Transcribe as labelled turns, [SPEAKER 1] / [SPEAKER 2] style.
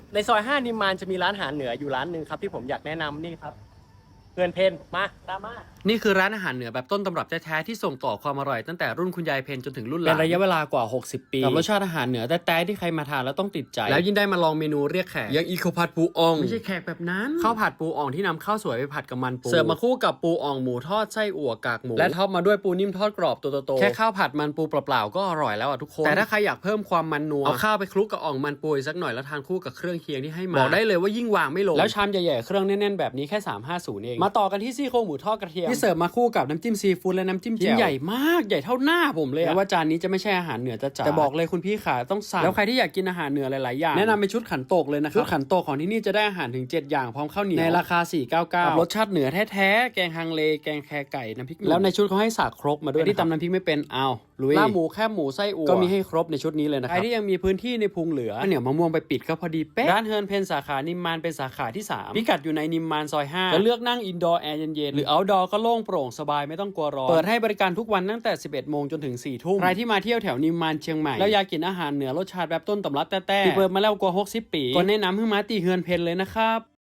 [SPEAKER 1] ในซอย5นิมมานจะมีร้านอาหารเหนืออยู่ร้านหนึ่งครับที่ผมอยากแนะนำนี่ครับเพื่อนเพนมาตามมา
[SPEAKER 2] นี่คือร้านอาหารเหนือแบบต้นตำรับแท้ๆที่ส่งต่อความอร่อยตั้งแต่รุ่นคุณยายเพนจนถึงรุ่นหลาน
[SPEAKER 1] เป็นระยะเวลากว่า60ปี
[SPEAKER 2] กับรสชาติอาหารเหนือแท้ๆที่ใครมาทานแล้วต้องติดใจแล้วยิ่งได้มาลองเมนูเรียกแขกอย่างอีโคผัดปูอ่องไม่ใช่แขกแบบนั้นข้าวผัดปูอ่องที่นำข้าวสวยไปผัดกับมันปูเสิร์ฟมาคู่กับปูอ่องหมูทอดไส้อั่วกากหมูและท็อปมาด้วยปูนิ่มทอดกรอบตัวโตๆแค่ข้าวผัดมันปูเปล่าๆก็อร่อยแล้วอ่ะทุกคนแต่ถ้าใครอยากเพิ่มความมันนัวเอาข้าวไปคลุกกับอ่องมันปูสักหน่อยแล้วทานคู่กับเครื่องเคียงที่ให้มาบอกได้เลยว่ายิ่งวางไม่ลงแล้วชามใหญ่ๆเครื่องแน่นๆแบบนี้แค่350เองมาต่อกันที่ซี่โครงหมูทอดกระเทียมที่เสิร์ฟมาคู่กับน้ำจิ้มซีฟู้ดและน้ำจิ้มแจ่วใหญ่มากใหญ่เท่าหน้าผมเลยว่าจานนี้จะไม่ใช่อาหารเหนือจ๋าแต่บอกเลยคุณพี่ขาต้องสั่งแล้วใครที่อยากกินอาหารเหนือหลายๆอย่างแนะนำเป็นชุดขันโตกเลยนะครับชุดขันโตกของที่นี่จะได้อาหารถึง7อย่างพร้อมข้าวเหนียวในราคา499กับรสชาติเหนือแท้ๆแกงฮังเลแกงแคไก่น้ำพริกแล้วในชุดเขาให้สากครกมาด้วยที่ตำน้ำพริกไม่เป็นเอาลุยลาบหมูแคบหมูไส้อั่วก็มีให้ครบในชุดนี้เลยนะครับใครที่ยังมีพื้นที่ในพุงเหลือเหนียวมะม่วงไปปิดก็พอดีเป๊ะร้านเฮิร์นเพนสาขานิมมานเป็นสาขาที่3พิกัดอยู่ในนิมมานซอย5จะเลือกนั่งอินดอร์แอร์เย็นๆหรือเอาท์ดอร์ก็โล่งโปร่งสบายไม่ต้องกลัวร้อนเปิดให้บริการทุกวันตั้งแต่ 11 โมงจนถึง 4 ทุ่มใครที่มาเที่ยวแถวนิมมานเชียงใหม่แล้วอยากกินอาหารเหนือรสชาติแบบต้นตำรับแต้ๆที่เปิดมาแล้วกว่า60 ปีก็แนะนำให้มาตีเฮือนเพนเลยนะครับ